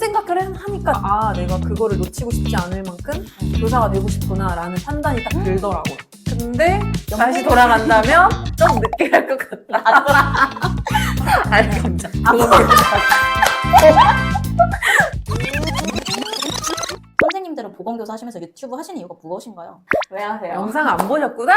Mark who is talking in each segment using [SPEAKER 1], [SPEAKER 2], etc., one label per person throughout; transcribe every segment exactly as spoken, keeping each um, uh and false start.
[SPEAKER 1] 생각을 하니까 아 내가 그거를 놓치고 싶지 않을 만큼 교사가 되고 싶구나 라는 판단이 딱 들더라고요. 근데 다시 돌아간다면 좀 늦게 할 것 같다. 아니 감자.
[SPEAKER 2] 선생님들은 보건교사 하시면서 유튜브 하시는 이유가 무엇인가요? 왜 하세요?
[SPEAKER 1] 영상 안 보셨구나.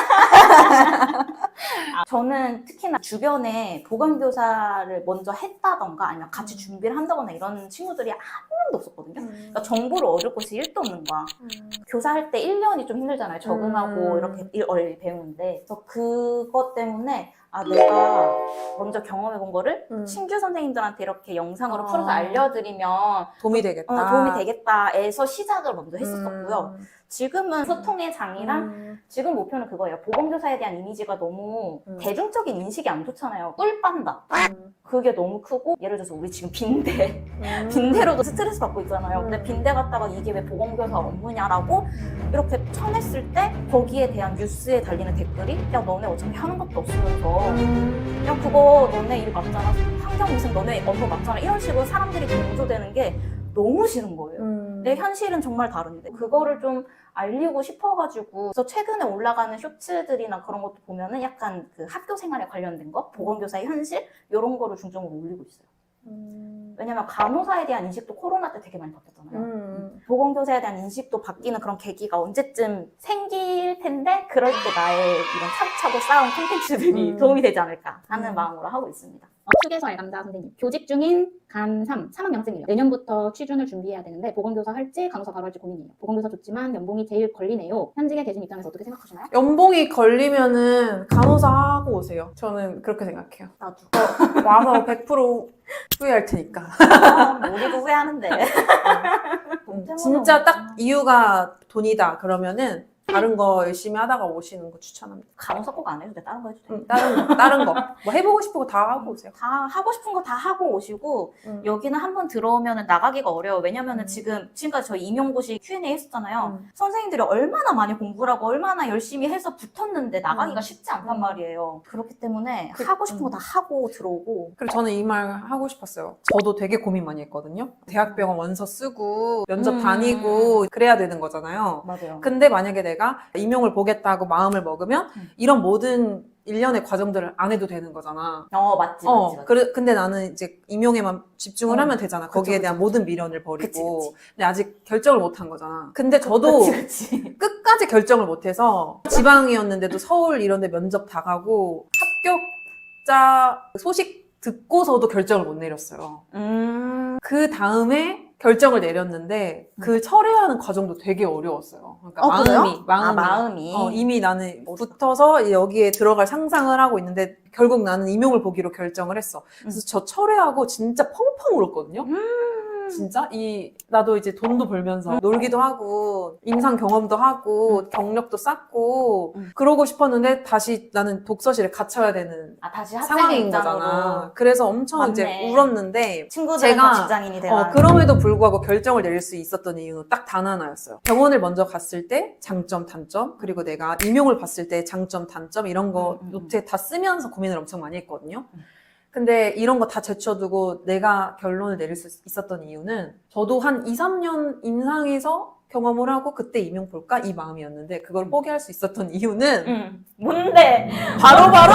[SPEAKER 2] 아, 저는 특히나 주변에 보건교사를 먼저 했다던가 아니면 같이 준비를 한다거나 이런 친구들이 한 명도 없었거든요.
[SPEAKER 1] 음.
[SPEAKER 2] 그러니까 정보를 얻을 곳이 일도 없는 거야.
[SPEAKER 1] 음.
[SPEAKER 2] 교사할 때 일 년이 좀 힘들잖아요. 적응하고
[SPEAKER 1] 음.
[SPEAKER 2] 이렇게 일 얼 배우는데. 그래서 그것 때문에 아 내가 먼저 경험해본 거를
[SPEAKER 1] 음.
[SPEAKER 2] 신규 선생님들한테 이렇게 영상으로
[SPEAKER 1] 아.
[SPEAKER 2] 풀어서 알려드리면
[SPEAKER 1] 도움이 되겠다.
[SPEAKER 2] 어, 도움이 되겠다에서 시작을 먼저 했었었고요.
[SPEAKER 1] 음.
[SPEAKER 2] 지금은 소통의 장이랑
[SPEAKER 1] 음.
[SPEAKER 2] 지금 목표는 그거예요. 보건교사에 대한 이미지가 너무
[SPEAKER 1] 음.
[SPEAKER 2] 대중적인 인식이 안 좋잖아요. 꿀 빤다.
[SPEAKER 1] 음.
[SPEAKER 2] 그게 너무 크고 예를 들어서 우리 지금 빈대
[SPEAKER 1] 음.
[SPEAKER 2] 빈대로도 스트레스 받고 있잖아요. 근데
[SPEAKER 1] 음.
[SPEAKER 2] 빈대 갔다가 이게 왜 보건교사 업무냐라고 이렇게 쳐냈을 때 거기에 대한 뉴스에 달리는 댓글이 야 너네 어차피 하는 것도 없으면서
[SPEAKER 1] 음.
[SPEAKER 2] 야 그거 너네 일 맞잖아. 환경 무슨 너네 업무 맞잖아. 이런 식으로 사람들이 동조되는 게 너무 싫은 거예요.
[SPEAKER 1] 음.
[SPEAKER 2] 내 현실은 정말 다른데 그거를 좀 알리고 싶어가지고 그래서 최근에 올라가는 쇼츠들이나 그런 것도 보면은 약간 그 학교 생활에 관련된 거 보건교사의 현실 이런 거를 중점으로 올리고 있어요.
[SPEAKER 1] 음.
[SPEAKER 2] 왜냐면 간호사에 대한 인식도 코로나 때 되게 많이 바뀌었잖아요.
[SPEAKER 1] 음.
[SPEAKER 2] 보건교사에 대한 인식도 바뀌는 그런 계기가 언제쯤 생길 텐데 그럴 때 나의 이런 차곡차곡 쌓은 콘텐츠들이
[SPEAKER 1] 음.
[SPEAKER 2] 도움이 되지 않을까 하는
[SPEAKER 1] 음.
[SPEAKER 2] 마음으로 하고 있습니다.
[SPEAKER 3] 어, 휴게소 알감자 선생님. 교직 중인 간 삼, 삼 학년생이에요. 내년부터 취준을 준비해야 되는데 보건교사 할지 간호사 바로 할지 고민이에요. 보건교사 좋지만 연봉이 제일 걸리네요. 현직에 계신 입장에서 어떻게 생각하시나요?
[SPEAKER 1] 연봉이 걸리면은 간호사 하고 오세요. 저는 그렇게 생각해요.
[SPEAKER 2] 나도.
[SPEAKER 1] 와서 백 퍼센트 후회할 테니까.
[SPEAKER 2] 아, 우리도 후회하는데.
[SPEAKER 1] 음, 진짜 딱 이유가 돈이다 그러면은 다른 거 열심히 하다가 오시는 거 추천합니다.
[SPEAKER 2] 간호사 꼭 안 해도 돼. 다른 거 해도 돼.
[SPEAKER 1] 음, 다른 거, 다른 거. 뭐 해보고 싶은 거 다 하고 오세요.
[SPEAKER 2] 다 하고 싶은 거 다 하고 오시고
[SPEAKER 1] 음.
[SPEAKER 2] 여기는 한번 들어오면 나가기가 어려워. 왜냐면은
[SPEAKER 1] 음.
[SPEAKER 2] 지금 지금까지 저희 임용고시 큐 앤 에이 했었잖아요.
[SPEAKER 1] 음.
[SPEAKER 2] 선생님들이 얼마나 많이 공부를 하고 얼마나 열심히 해서 붙었는데 나가기가
[SPEAKER 1] 음.
[SPEAKER 2] 쉽지 않단
[SPEAKER 1] 음.
[SPEAKER 2] 말이에요. 그렇기 때문에
[SPEAKER 1] 그-
[SPEAKER 2] 하고 싶은 거
[SPEAKER 1] 음.
[SPEAKER 2] 다 하고 들어오고
[SPEAKER 1] 그리고 저는 이 말 하고 싶었어요. 저도 되게 고민 많이 했거든요. 대학병원 원서 쓰고 면접
[SPEAKER 2] 음.
[SPEAKER 1] 다니고 그래야 되는 거잖아요.
[SPEAKER 2] 맞아요.
[SPEAKER 1] 근데 만약에 내가 임용을 보겠다고 마음을 먹으면
[SPEAKER 2] 음.
[SPEAKER 1] 이런 모든 일련의 과정들을 안 해도 되는 거잖아.
[SPEAKER 2] 어 맞지
[SPEAKER 1] 어,
[SPEAKER 2] 맞지 맞지.
[SPEAKER 1] 그래, 근데 나는 이제 임용에만 집중을
[SPEAKER 2] 어.
[SPEAKER 1] 하면 되잖아.
[SPEAKER 2] 그쵸,
[SPEAKER 1] 거기에
[SPEAKER 2] 그쵸,
[SPEAKER 1] 대한
[SPEAKER 2] 그쵸.
[SPEAKER 1] 모든 미련을 버리고.
[SPEAKER 2] 그치, 그치.
[SPEAKER 1] 근데 아직 결정을 못 한 거잖아. 근데 저도
[SPEAKER 2] 그치 그치.
[SPEAKER 1] 끝까지 결정을 못 해서 지방이었는데도 서울 이런 데 면접 다 가고 합격자 소식 듣고서도 결정을 못 내렸어요.
[SPEAKER 2] 음.
[SPEAKER 1] 그 다음에 결정을 내렸는데 그 철회하는 과정도 되게 어려웠어요. 그러니까
[SPEAKER 2] 어,
[SPEAKER 1] 마음이,
[SPEAKER 2] 그래요?
[SPEAKER 1] 마음이,
[SPEAKER 2] 아, 마음이.
[SPEAKER 1] 어, 이미 나는 붙어서 여기에 들어갈 상상을 하고 있는데 결국 나는 임용을 보기로 결정을 했어. 그래서 저 철회하고 진짜 펑펑 울었거든요.
[SPEAKER 2] 음.
[SPEAKER 1] 진짜 이 나도 이제 돈도 벌면서 놀기도 하고 임상 경험도 하고 경력도 쌓고
[SPEAKER 2] 음.
[SPEAKER 1] 그러고 싶었는데 다시 나는 독서실에 갇혀야 되는
[SPEAKER 2] 아 다시 학생
[SPEAKER 1] 상황인
[SPEAKER 2] 입장으로
[SPEAKER 1] 거잖아. 그래서 엄청
[SPEAKER 2] 맞네.
[SPEAKER 1] 이제 울었는데
[SPEAKER 2] 친구들은
[SPEAKER 1] 제가-
[SPEAKER 2] 다 직장인이 돼가.
[SPEAKER 1] 어, 그럼에도 불구하고 결정을 내릴 수 있었던 이유는 딱 단 하나였어요. 병원을 먼저 갔을 때 장점, 단점, 그리고 내가 임용을 봤을 때 장점, 단점 이런 거
[SPEAKER 2] 음, 음,
[SPEAKER 1] 노트에 다 쓰면서 고민을 엄청 많이 했거든요.
[SPEAKER 2] 음.
[SPEAKER 1] 근데 이런 거 다 제쳐두고 내가 결론을 내릴 수 있었던 이유는 저도 한 이, 삼 년 임상에서 경험을 하고 그때 임용 볼까? 이 마음이었는데 그걸 포기할 수 있었던 이유는
[SPEAKER 2] 응. 뭔데?
[SPEAKER 1] 바로바로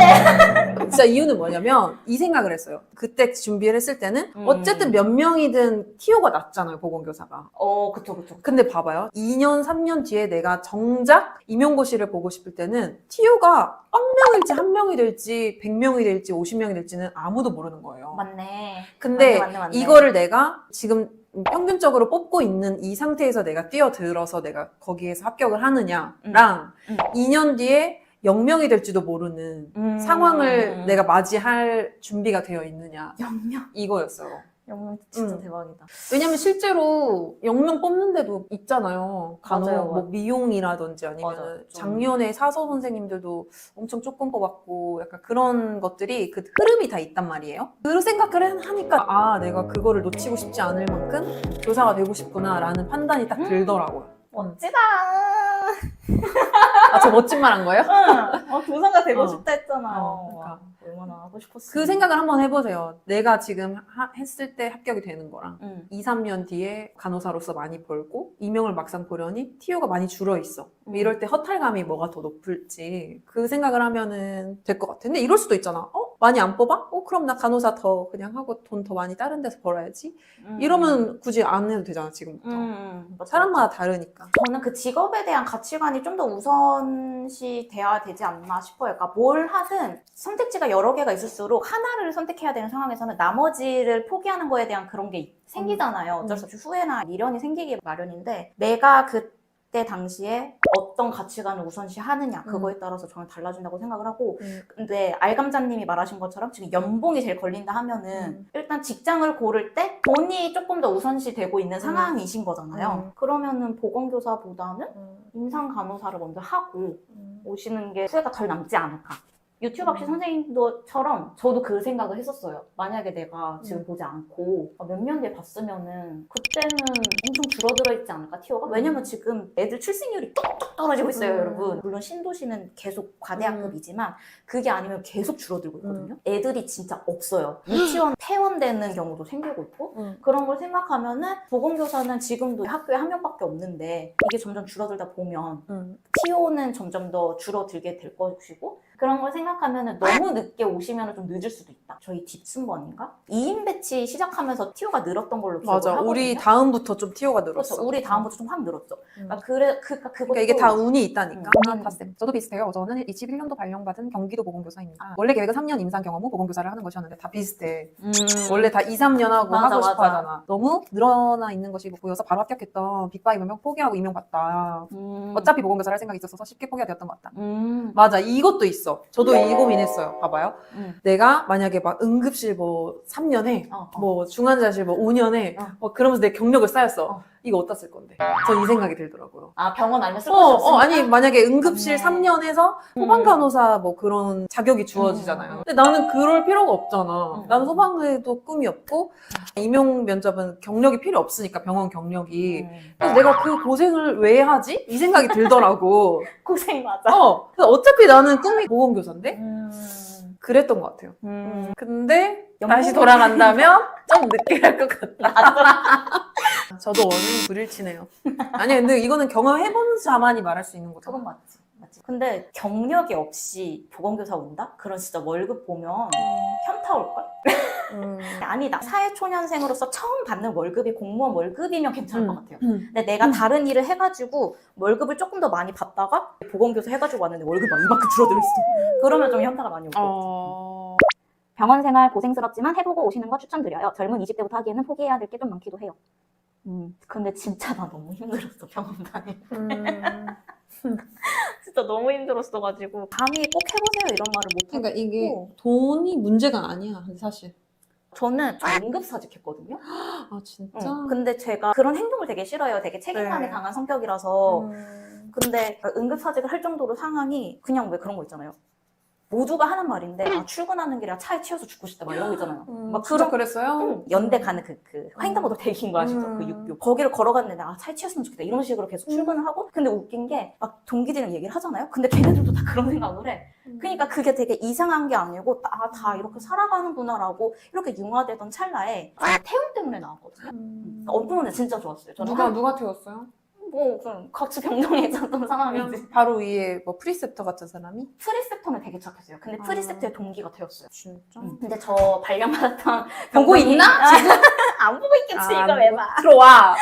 [SPEAKER 1] 진짜 이유는 뭐냐면 이 생각을 했어요. 그때 준비를 했을 때는
[SPEAKER 2] 음.
[SPEAKER 1] 어쨌든 몇 명이든 티오가 낮잖아요, 보건교사가.
[SPEAKER 2] 어 그쵸 그쵸.
[SPEAKER 1] 근데 봐봐요. 이 년, 삼 년 뒤에 내가 정작 임용고시를 보고 싶을 때는 티오가 천 명일지 한 명이 될지 백 명이 될지 오십 명이 될지는 아무도 모르는 거예요.
[SPEAKER 2] 맞네.
[SPEAKER 1] 근데
[SPEAKER 2] 맞네, 맞네, 맞네.
[SPEAKER 1] 이거를 내가 지금 평균적으로 뽑고 있는 이 상태에서 내가 뛰어들어서 내가 거기에서 합격을 하느냐랑
[SPEAKER 2] 음.
[SPEAKER 1] 이 년 뒤에 영 명이 될지도 모르는
[SPEAKER 2] 음.
[SPEAKER 1] 상황을 내가 맞이할 준비가 되어 있느냐
[SPEAKER 2] 영명.
[SPEAKER 1] 이거였어요.
[SPEAKER 2] 영명 진짜
[SPEAKER 1] 음.
[SPEAKER 2] 대박이다.
[SPEAKER 1] 왜냐면 실제로 영 명 뽑는데도 있잖아요. 간호,
[SPEAKER 2] 맞아요,
[SPEAKER 1] 뭐
[SPEAKER 2] 맞아요.
[SPEAKER 1] 미용이라든지
[SPEAKER 2] 맞아,
[SPEAKER 1] 아니면
[SPEAKER 2] 좀.
[SPEAKER 1] 작년에 사서 선생님들도 엄청 조금 뽑았고 약간 그런 것들이 그 흐름이 다 있단 말이에요. 그 생각을 하니까 아 내가 그거를 놓치고 싶지 않을 만큼 교사가 되고 싶구나 라는 판단이 딱 들더라고요.
[SPEAKER 2] 멋지다.
[SPEAKER 1] 아, 저 멋진 말 한 거예요?
[SPEAKER 2] 응. 어, 교사가 되고
[SPEAKER 1] 어.
[SPEAKER 2] 싶다 했잖아요.
[SPEAKER 1] 어, 그러니까.
[SPEAKER 2] 와, 얼마나 하고 싶었어.
[SPEAKER 1] 그 생각을 한번 해보세요. 내가 지금 하- 했을 때 합격이 되는 거랑
[SPEAKER 2] 응.
[SPEAKER 1] 이, 삼 년 뒤에 간호사로서 많이 벌고 이명을 막상 보려니 티오가 많이 줄어 있어.
[SPEAKER 2] 음.
[SPEAKER 1] 이럴 때 허탈감이 뭐가 더 높을지 그 생각을 하면은 될 것 같아. 근데 이럴 수도 있잖아. 어? 많이 안 뽑아? 어? 그럼 나 간호사 더 그냥 하고 돈 더 많이 다른 데서 벌어야지.
[SPEAKER 2] 음.
[SPEAKER 1] 이러면 굳이 안 해도 되잖아, 지금부터.
[SPEAKER 2] 음. 맞죠,
[SPEAKER 1] 사람마다
[SPEAKER 2] 맞죠.
[SPEAKER 1] 다르니까.
[SPEAKER 2] 저는 그 직업에 대한 가치관이 좀 더 우선시 돼야 되지 않나 싶어요. 그러니까 뭘 하든 선택지가 여러 개가 있을수록 하나를 선택해야 되는 상황에서는 나머지를 포기하는 거에 대한 그런 게 생기잖아요. 어쩔 수 없이 후회나 미련이 생기기 마련인데 내가 그때 당시에 어떤 가치관을 우선시 하느냐 그거에 따라서 저는 달라진다고 생각을 하고
[SPEAKER 1] 음.
[SPEAKER 2] 근데 알감자님이 말하신 것처럼 지금 연봉이 제일 걸린다 하면은
[SPEAKER 1] 음.
[SPEAKER 2] 일단 직장을 고를 때 돈이 조금 더 우선시 되고 있는
[SPEAKER 1] 음.
[SPEAKER 2] 상황이신 거잖아요.
[SPEAKER 1] 음.
[SPEAKER 2] 그러면은 보건교사보다는
[SPEAKER 1] 음.
[SPEAKER 2] 임상 간호사를 먼저 하고
[SPEAKER 1] 음.
[SPEAKER 2] 오시는 게 후회가 덜 남지 않을까. 유튜브 학시 선생님도처럼 저도 그 생각을 했었어요. 만약에 내가 지금
[SPEAKER 1] 음.
[SPEAKER 2] 보지 않고 몇 년 뒤에 봤으면은 그때는 엄청 줄어들어 있지 않을까 티오가? 왜냐면 지금 애들 출생률이 뚝뚝 떨어지고 있어요,
[SPEAKER 1] 음.
[SPEAKER 2] 여러분. 물론 신도시는 계속 과대학급이지만 그게 아니면 계속 줄어들고 있거든요. 애들이 진짜 없어요. 유치원 폐원되는 경우도 생기고 있고
[SPEAKER 1] 음.
[SPEAKER 2] 그런 걸 생각하면은 보건교사는 지금도 학교에 한 명밖에 없는데 이게 점점 줄어들다 보면
[SPEAKER 1] 음.
[SPEAKER 2] 티오는 점점 더 줄어들게 될 것이고 그런 걸 생각하면 너무 늦게 오시면 좀 늦을 수도 있다. 저희 뒷순번인가? 이 인 배치 시작하면서 티오가 늘었던 걸로 기억을
[SPEAKER 1] 맞아.
[SPEAKER 2] 하거든요.
[SPEAKER 1] 우리 다음부터 좀 티오가 늘었어.
[SPEAKER 2] 그렇죠. 우리 다음부터 좀 확 늘었죠.
[SPEAKER 1] 음.
[SPEAKER 2] 그러니까 그래, 그, 그것도
[SPEAKER 1] 그러니까 이게 다 운이 있다니까.
[SPEAKER 2] 음.
[SPEAKER 4] 공학파쌤. 저도 비슷해요. 저는 이십일 년도 발령받은 경기도 보건교사입니다. 원래 계획은 삼 년 임상 경험 후 보건교사를 하는 것이었는데 다
[SPEAKER 1] 비슷해.
[SPEAKER 2] 음.
[SPEAKER 1] 원래 다 이, 삼 년 하고
[SPEAKER 2] 맞아,
[SPEAKER 1] 하고 싶어
[SPEAKER 2] 맞아.
[SPEAKER 1] 하잖아.
[SPEAKER 4] 너무 늘어나 있는 것이 보여서 바로 합격했던 빅파이브 명 포기하고 임용받다.
[SPEAKER 2] 음.
[SPEAKER 4] 어차피 보건교사를 할 생각이 있어서 쉽게 포기가 되었던 것 같다.
[SPEAKER 2] 음.
[SPEAKER 1] 맞아. 이것도 있어. 저도 이 고민했어요. 봐봐요.
[SPEAKER 2] 음.
[SPEAKER 1] 내가 만약에 막 응급실 뭐 삼 년에
[SPEAKER 2] 어, 어.
[SPEAKER 1] 뭐 중환자실 뭐 오 년에
[SPEAKER 2] 어.
[SPEAKER 1] 뭐 그러면서 내 경력을 쌓였어.
[SPEAKER 2] 어.
[SPEAKER 1] 이거 어디다 쓸 건데? 전 이 생각이 들더라고요.
[SPEAKER 2] 아 병원 아니면 쓸
[SPEAKER 1] 어,
[SPEAKER 2] 곳이 없으니까?
[SPEAKER 1] 어, 아니 만약에 응급실
[SPEAKER 2] 맞네.
[SPEAKER 1] 삼 년 해서
[SPEAKER 2] 음.
[SPEAKER 1] 소방 간호사 뭐 그런 자격이 주어지잖아요.
[SPEAKER 2] 음.
[SPEAKER 1] 근데 나는 그럴 필요가 없잖아.
[SPEAKER 2] 음.
[SPEAKER 1] 나는 소방에도 꿈이 없고 임용 면접은 경력이 필요 없으니까 병원 경력이.
[SPEAKER 2] 음.
[SPEAKER 1] 그래서 내가 그 고생을 왜 하지? 이 생각이 들더라고.
[SPEAKER 2] 고생 맞아.
[SPEAKER 1] 어, 그래서 어차피 나는 꿈이 보건교사인데
[SPEAKER 2] 음.
[SPEAKER 1] 그랬던 것 같아요.
[SPEAKER 2] 음.
[SPEAKER 1] 근데
[SPEAKER 2] 연봉이-
[SPEAKER 1] 다시 돌아간다면 좀 늦게 할 것 같다. 저도 원인 불일치네요. 아니 근데 이거는 경험해본 자만이 말할 수 있는 거죠.
[SPEAKER 2] 그건 맞지. 맞지. 근데 경력이 없이 보건교사 온다? 그런 진짜 월급 보면 현타 올걸?
[SPEAKER 1] 음.
[SPEAKER 2] 아니다. 사회초년생으로서 처음 받는 월급이 공무원 월급이면 괜찮을 것 같아요.
[SPEAKER 1] 음.
[SPEAKER 2] 근데 내가 다른 일을 해가지고 월급을 조금 더 많이 받다가 보건교사 해가지고 왔는데 월급이 막 이만큼 줄어들어 있어. 그러면 좀 현타가 많이 올 것 같아.
[SPEAKER 1] 어...
[SPEAKER 3] 병원 생활 고생스럽지만 해보고 오시는 거 추천드려요. 젊은 이십 대부터 하기에는 포기해야 될 게 좀 많기도 해요.
[SPEAKER 2] 음. 근데 진짜 나 너무 힘들었어, 병원 다닐 때.
[SPEAKER 1] 음.
[SPEAKER 2] 진짜 너무 힘들었어가지고 감히 꼭 해보세요 이런 말을 못 하고
[SPEAKER 1] 그러니까 이게
[SPEAKER 2] 어.
[SPEAKER 1] 돈이 문제가 아니야, 사실.
[SPEAKER 2] 저는 좀 응급사직했거든요.
[SPEAKER 1] 아 진짜?
[SPEAKER 2] 응. 근데 제가 그런 행동을 되게 싫어요. 되게 책임감이
[SPEAKER 1] 네.
[SPEAKER 2] 강한 성격이라서.
[SPEAKER 1] 음.
[SPEAKER 2] 근데 응급사직을 할 정도로 상황이 그냥 왜 그런 거 있잖아요. 모두가 하는 말인데 아, 출근하는 길에 차에 치여서 죽고 싶다 막 이런 거 있잖아요.
[SPEAKER 1] 음,
[SPEAKER 2] 막
[SPEAKER 1] 진짜
[SPEAKER 2] 그런
[SPEAKER 1] 그랬어요?
[SPEAKER 2] 응, 연대 가는 그, 그 횡단보도 대기인 거 아시죠?
[SPEAKER 1] 음.
[SPEAKER 2] 그 육교. 거기를 걸어갔는데 아 차에 치였으면 좋겠다 이런 식으로 계속 출근을 하고 근데 웃긴 게 막 동기들이랑 얘기를 하잖아요. 근데 걔네들도 다 그런 생각을 해. 그러니까 그게 되게 이상한 게 아니고 아, 다 이렇게 살아가는구나라고 이렇게 융화되던 찰나에 아, 태움 때문에 나왔거든요.
[SPEAKER 1] 음.
[SPEAKER 2] 어떤 진짜 좋았어요. 저는
[SPEAKER 1] 누가
[SPEAKER 2] 한-
[SPEAKER 1] 누가 태웠어요?
[SPEAKER 2] 뭐 그냥 같이 병동에 있었던 상황이지.
[SPEAKER 1] 그냥 바로 위에 뭐 프리셉터 같은 사람이?
[SPEAKER 2] 프리셉터는 되게 착했어요. 근데
[SPEAKER 1] 아.
[SPEAKER 2] 프리셉터의 동기가 되었어요.
[SPEAKER 1] 진짜?
[SPEAKER 2] 응. 근데 저 발령받았던
[SPEAKER 1] 보고
[SPEAKER 2] 병동이-
[SPEAKER 1] 있나?
[SPEAKER 2] 안 보고 있겠지
[SPEAKER 1] 아,
[SPEAKER 2] 이거 왜 봐.
[SPEAKER 1] 들어와.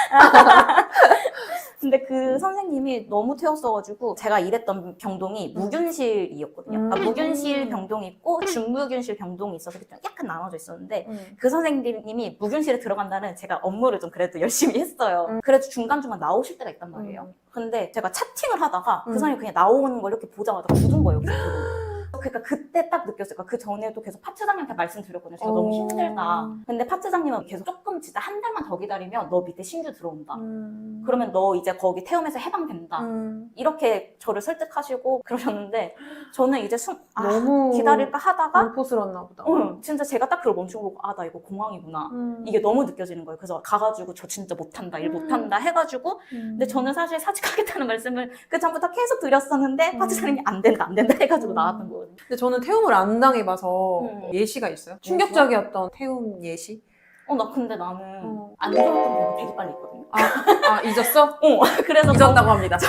[SPEAKER 2] 근데 그 선생님이 너무 태웠어가지고 제가 일했던 병동이 무균실이었거든요. 그러니까
[SPEAKER 1] 음.
[SPEAKER 2] 무균실 병동이 있고 준무균실 병동이 있어서 좀 약간 나눠져 있었는데
[SPEAKER 1] 음.
[SPEAKER 2] 그 선생님이 무균실에 들어간다는 제가 업무를 좀 그래도 열심히 했어요.
[SPEAKER 1] 음.
[SPEAKER 2] 그래도 중간중간 나오실 때가 있단 말이에요.
[SPEAKER 1] 음.
[SPEAKER 2] 근데 제가 차팅을 하다가 그
[SPEAKER 1] 음.
[SPEAKER 2] 선생님이 그냥 나오는 걸 이렇게 보자마자 굳은 거예요. 그 그러니까 그때 딱 느꼈어요. 그러니까 그 전에도 계속 파트장님한테 말씀드렸거든요. 제가 너무
[SPEAKER 1] 어.
[SPEAKER 2] 힘들다. 근데 파트장님은 계속 조금 진짜 한 달만 더 기다리면 너 밑에 신규 들어온다.
[SPEAKER 1] 음.
[SPEAKER 2] 그러면 너 이제 거기 태움에서 해방된다.
[SPEAKER 1] 음.
[SPEAKER 2] 이렇게 저를 설득하시고 그러셨는데 저는 이제 숨, 아,
[SPEAKER 1] 너무
[SPEAKER 2] 기다릴까 하다가
[SPEAKER 1] 공포스러웠나 보다.
[SPEAKER 2] 어, 진짜 제가 딱 그걸 멈추고 보고 아, 나 이거 공황이구나.
[SPEAKER 1] 음.
[SPEAKER 2] 이게 너무 느껴지는 거예요. 그래서 가가지고 저 진짜 못한다, 일
[SPEAKER 1] 음.
[SPEAKER 2] 못한다 해가지고 근데 저는 사실 사직하겠다는 말씀을 그 전부터 계속 드렸었는데
[SPEAKER 1] 음.
[SPEAKER 2] 파트사님이 안 된다, 안 된다 해가지고
[SPEAKER 1] 음.
[SPEAKER 2] 나왔던 거거든요.
[SPEAKER 1] 근데 저는 태움을 안 당해봐서
[SPEAKER 2] 음.
[SPEAKER 1] 예시가 있어요? 충격적이었던 태움 예시?
[SPEAKER 2] 어, 나 근데 나는
[SPEAKER 1] 어.
[SPEAKER 2] 안 좋았던 경우가 되게 빨리 있거든요.
[SPEAKER 1] 아, 아 잊었어?
[SPEAKER 2] 어, 그래서
[SPEAKER 1] 잊었다고 합니다.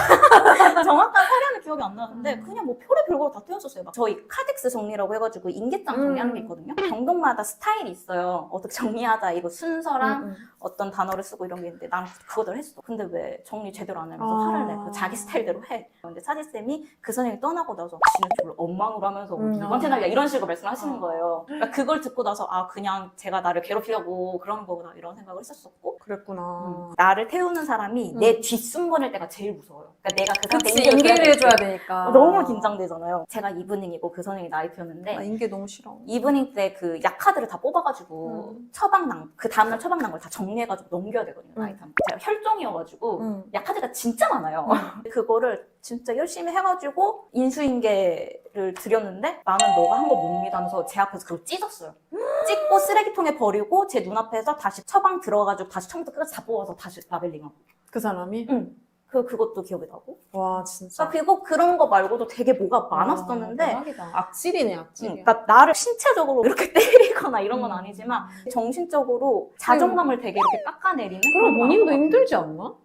[SPEAKER 2] 정확한 사례는 기억이 안 나는데
[SPEAKER 1] 음.
[SPEAKER 2] 그냥 뭐 별의 별거로 다 떼었었어요. 막 저희 카덱스 정리라고 해가지고 인계장 정리하는 게
[SPEAKER 1] 음.
[SPEAKER 2] 있거든요. 병동마다 스타일이 있어요. 어떻게 정리하자 이거 순서랑
[SPEAKER 1] 음, 음.
[SPEAKER 2] 어떤 단어를 쓰고 이런 게 있는데 난 그거대로 했어. 근데 왜 정리 제대로 안 하면서
[SPEAKER 1] 아.
[SPEAKER 2] 화를 내? 그 자기 스타일대로 해. 근데 사지쌤이 그 선생님이 떠나고 나서 지는 저를 엉망으로 하면서
[SPEAKER 1] 음.
[SPEAKER 2] 누구한테 날려 이런 식으로 말씀하시는
[SPEAKER 1] 아.
[SPEAKER 2] 거예요. 그러니까 그걸 듣고 나서 아 그냥 제가 나를 괴롭히려고 그러는 거구나 이런 생각을 했었었고
[SPEAKER 1] 그랬구나.
[SPEAKER 2] 음. 나를 태우는 사람이
[SPEAKER 1] 음.
[SPEAKER 2] 내 뒷숨거릴 때가 제일 무서워요. 그러니까 내가 그
[SPEAKER 1] 그치,
[SPEAKER 2] 사람한테 인계를
[SPEAKER 1] 인계를 해줘야
[SPEAKER 2] 돼.
[SPEAKER 1] 되니까.
[SPEAKER 2] 너무 긴장되잖아요. 제가 이브닝이고 그 선생님이 나이트였는데
[SPEAKER 1] 아, 인계 너무 싫어.
[SPEAKER 2] 이브닝 때 그 약카드를 다 뽑아가지고
[SPEAKER 1] 음.
[SPEAKER 2] 처방난 그 다음날 처방난 걸 다 정리해가지고 넘겨야 되거든요.
[SPEAKER 1] 음.
[SPEAKER 2] 나이트 하면. 제가 혈종이어가지고
[SPEAKER 1] 음.
[SPEAKER 2] 약카드가 진짜 많아요. 그거를 진짜 열심히 해가지고 인수인계를 드렸는데 나는 너가 한 거 못 믿으면서 제 앞에서 그걸 찢었어요. 찢고 쓰레기통에 버리고 제 눈앞에서 다시 처방 들어가지고 다시 처음부터 끝까지 다 뽑아서 다시 라벨링하고.
[SPEAKER 1] 그 사람이?
[SPEAKER 2] 응. 그 그것도 기억이 나고.
[SPEAKER 1] 와, 진짜.
[SPEAKER 2] 그러니까 그리고 그런 거 말고도 되게 뭐가 많았었는데.
[SPEAKER 1] 와, 대박이다. 악질이네, 악질.
[SPEAKER 2] 응, 그러니까 나를 신체적으로 이렇게 때리거나 이런 건
[SPEAKER 1] 음.
[SPEAKER 2] 아니지만 정신적으로 자존감을 되게 이렇게 깎아내리는.
[SPEAKER 1] 그럼
[SPEAKER 2] 그런 거
[SPEAKER 1] 본인도
[SPEAKER 2] 많은 것
[SPEAKER 1] 힘들지 않나?
[SPEAKER 2] 같아요.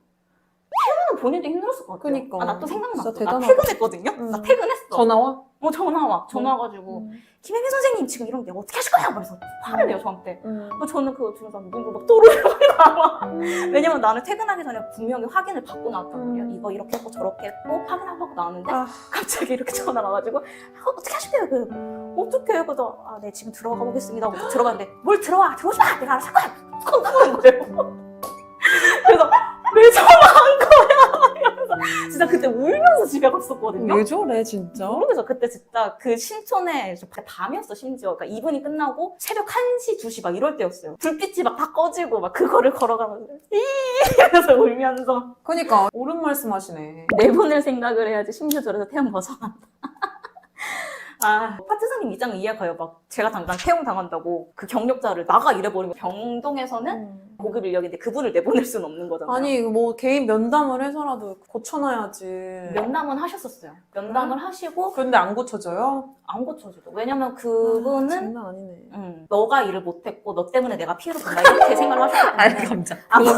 [SPEAKER 2] 본인도 힘들었을 것 같아요.
[SPEAKER 1] 그니까.
[SPEAKER 2] 아, 나 또 생각났어.
[SPEAKER 1] 진짜
[SPEAKER 2] 나
[SPEAKER 1] 대단하다.
[SPEAKER 2] 퇴근했거든요.
[SPEAKER 1] 음.
[SPEAKER 2] 나 퇴근했어.
[SPEAKER 1] 전화 와?
[SPEAKER 2] 어, 전화 와. 전화 와가지고
[SPEAKER 1] 음.
[SPEAKER 2] 김혜미 선생님 지금 이런 게 어떻게 하실 거냐? 그래서 화를 내요 저한테.
[SPEAKER 1] 음.
[SPEAKER 2] 어, 저는 그거 들으면서 눈물 막 또르르 나와. 왜냐면 나는 퇴근하기 전에 분명히 확인을 받고 나왔단 말이야.
[SPEAKER 1] 음.
[SPEAKER 2] 이거 이렇게 했고 저렇게 했고 확인하고 나왔는데
[SPEAKER 1] 아.
[SPEAKER 2] 갑자기 이렇게 전화가 와가지고 어, 어떻게 하실게요? 그 어떻게 그래서 아, 네 지금 들어가 보겠습니다. 하고 들어갔는데 뭘 들어와 들어오지 마. 내가 알아서 할 거야. 건너는 거예요. 그래서 왜 전화한 거야? 이러면서 진짜 그때 울면서 집에 갔었거든요.
[SPEAKER 1] 왜 저래, 진짜?
[SPEAKER 2] 모르겠어. 그때 진짜 그 신촌에 저 밤이었어 심지어. 그러니까 이분이 끝나고 새벽 한 시, 두 시 막 이럴 때였어요. 불빛이 막 다 꺼지고 막 그거를 걸어가면서 이 이러면서 울면서
[SPEAKER 1] 그니까, 옳은 말씀 하시네.
[SPEAKER 2] 내보낼 생각을 해야지 심지어 저래서 태움 벗어난다. 아, 파트사님 입장은 이해가요. 막 제가 당장 태움 당한다고 그 경력자를 나가 이래버리면 병동에서는
[SPEAKER 1] 음.
[SPEAKER 2] 고급 인력인데 그분을 내보낼 수는 없는 거잖아요.
[SPEAKER 1] 아니, 뭐, 개인 면담을 해서라도 고쳐놔야지.
[SPEAKER 2] 면담은 하셨었어요. 면담을 하시고
[SPEAKER 1] 근데 안 고쳐져요?
[SPEAKER 2] 안 고쳐지죠. 왜냐면
[SPEAKER 1] 아,
[SPEAKER 2] 그분은
[SPEAKER 1] 장난 아니네.
[SPEAKER 2] 음, 너가 일을 못했고 너 때문에 내가 피해를 본다 이렇게 생각을 하셨기 때문에
[SPEAKER 1] 감자.
[SPEAKER 2] 아, 뭐.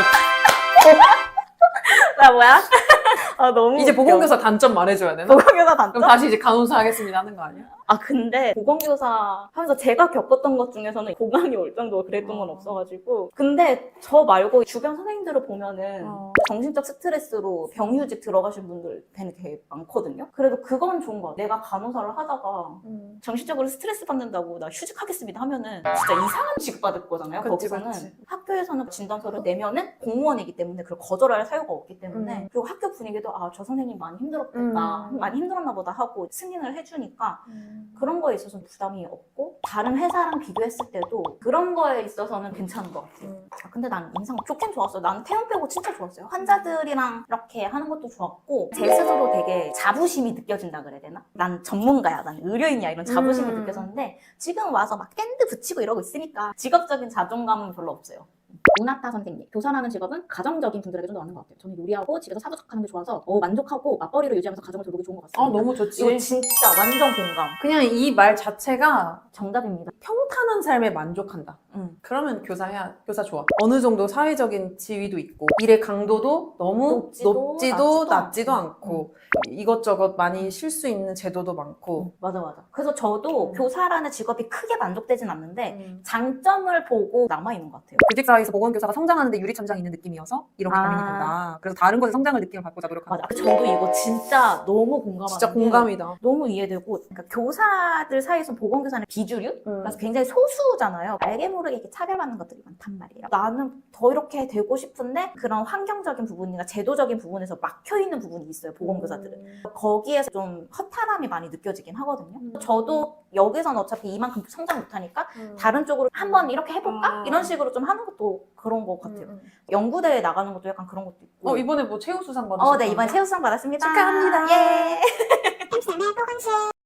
[SPEAKER 2] 나 뭐야? 아 너무
[SPEAKER 1] 이제
[SPEAKER 2] 웃겨.
[SPEAKER 1] 보건교사 단점 말해줘야 되나?
[SPEAKER 2] 보건교사 단점?
[SPEAKER 1] 그럼 다시 이제 간호사 하겠습니다 하는 거 아니야?
[SPEAKER 2] 아 근데 보건교사 하면서 제가 겪었던 것 중에서는 공감이 올 정도로 그랬던 건
[SPEAKER 1] 어.
[SPEAKER 2] 없어가지고 근데 저 말고 주변 선생님들을 보면은
[SPEAKER 1] 어.
[SPEAKER 2] 정신적 스트레스로 병휴직 들어가신 분들 되게 많거든요. 그래도 그건 좋은 것 같아요. 내가 간호사를 하다가
[SPEAKER 1] 음.
[SPEAKER 2] 정신적으로 스트레스 받는다고 나 휴직하겠습니다 하면은 진짜 이상한 취급받을 거잖아요.
[SPEAKER 1] 그치,
[SPEAKER 2] 거기서는
[SPEAKER 1] 그치.
[SPEAKER 2] 학교에서는 진단서를 내면은 공무원이기 때문에 그걸 거절할 사유가 없기 때문에
[SPEAKER 1] 음.
[SPEAKER 2] 그리고 학교 분위기도 아 저 선생님 많이 힘들었겠다
[SPEAKER 1] 음.
[SPEAKER 2] 많이 힘들었나 보다 하고 승인을 해주니까 그런 거에 있어서 부담이 없고 다른 회사랑 비교했을 때도 그런 거에 있어서는 괜찮은 것 같아요.
[SPEAKER 1] 음.
[SPEAKER 2] 아, 근데 난 인상 좋긴 좋았어요. 나는 태움 빼고 진짜 좋았어요. 환자들이랑 이렇게 하는 것도 좋았고 제 스스로 되게 자부심이 느껴진다 그래야 되나? 난 전문가야, 난 의료인이야 이런 자부심이
[SPEAKER 1] 음.
[SPEAKER 2] 느껴졌는데 지금 와서 막 밴드 붙이고 이러고 있으니까 직업적인 자존감은 별로 없어요.
[SPEAKER 3] 오나타 선생님, 교사라는 직업은 가정적인 분들에게 좀 더 맞는 것 같아요. 저는 요리하고 집에서 사부작하는 게 좋아서 어, 만족하고 맞벌이를 유지하면서 가정을 돌보기 좋은 것 같습니다.
[SPEAKER 1] 아, 너무 좋지.
[SPEAKER 2] 이거 진짜 완전 공감.
[SPEAKER 1] 그냥 이 말 자체가
[SPEAKER 2] 정답입니다.
[SPEAKER 1] 평탄한 삶에 만족한다.
[SPEAKER 2] 음.
[SPEAKER 1] 그러면 교사해야, 교사 좋아. 어느 정도 사회적인 지위도 있고, 일의 강도도 너무
[SPEAKER 2] 높지도,
[SPEAKER 1] 높지도,
[SPEAKER 2] 낮지도
[SPEAKER 1] 낮지도
[SPEAKER 2] 않고.
[SPEAKER 1] 않고, 이것저것 많이 쉴 수 있는 제도도 많고.
[SPEAKER 2] 맞아 맞아. 그래서 저도
[SPEAKER 1] 음.
[SPEAKER 2] 교사라는 직업이 크게 만족되진 않는데
[SPEAKER 1] 음.
[SPEAKER 2] 장점을 보고 남아있는 것 같아요.
[SPEAKER 4] 교직사회에서 보건교사가 성장하는데 유리천장이 있는 느낌이어서 이런 게
[SPEAKER 2] 아.
[SPEAKER 4] 고민이 된다. 그래서 다른 곳에 성장을 느끼면 바꾸자 노력한다.
[SPEAKER 2] 맞아. 저도 이거 진짜 너무 공감하는
[SPEAKER 1] 진짜
[SPEAKER 2] 게
[SPEAKER 1] 공감이다.
[SPEAKER 2] 너무 이해되고 그러니까 교사들 사이에서 보건교사는 비주류?
[SPEAKER 1] 음.
[SPEAKER 2] 그래서 굉장히 소수잖아요. 알게 모르게 모르게 이렇게 차별받는 것들이 많단 말이에요. 나는 더 이렇게 되고 싶은데 그런 환경적인 부분이나 제도적인 부분에서 막혀있는 부분이 있어요, 보건교사들은.
[SPEAKER 1] 음.
[SPEAKER 2] 거기에서 좀 허탈함이 많이 느껴지긴 하거든요.
[SPEAKER 1] 음.
[SPEAKER 2] 저도 여기서는 어차피 이만큼 성장 못하니까
[SPEAKER 1] 음.
[SPEAKER 2] 다른 쪽으로 한번 이렇게 해볼까?
[SPEAKER 1] 아.
[SPEAKER 2] 이런 식으로 좀 하는 것도 그런 것 같아요.
[SPEAKER 1] 음, 음.
[SPEAKER 2] 연구대회 나가는 것도 약간 그런 것도 있고.
[SPEAKER 1] 어, 이번에 뭐 최우수상 받으셨어요?
[SPEAKER 2] 어, 네, 이번에 최우수상 받았습니다.
[SPEAKER 1] 축하합니다.
[SPEAKER 2] 예.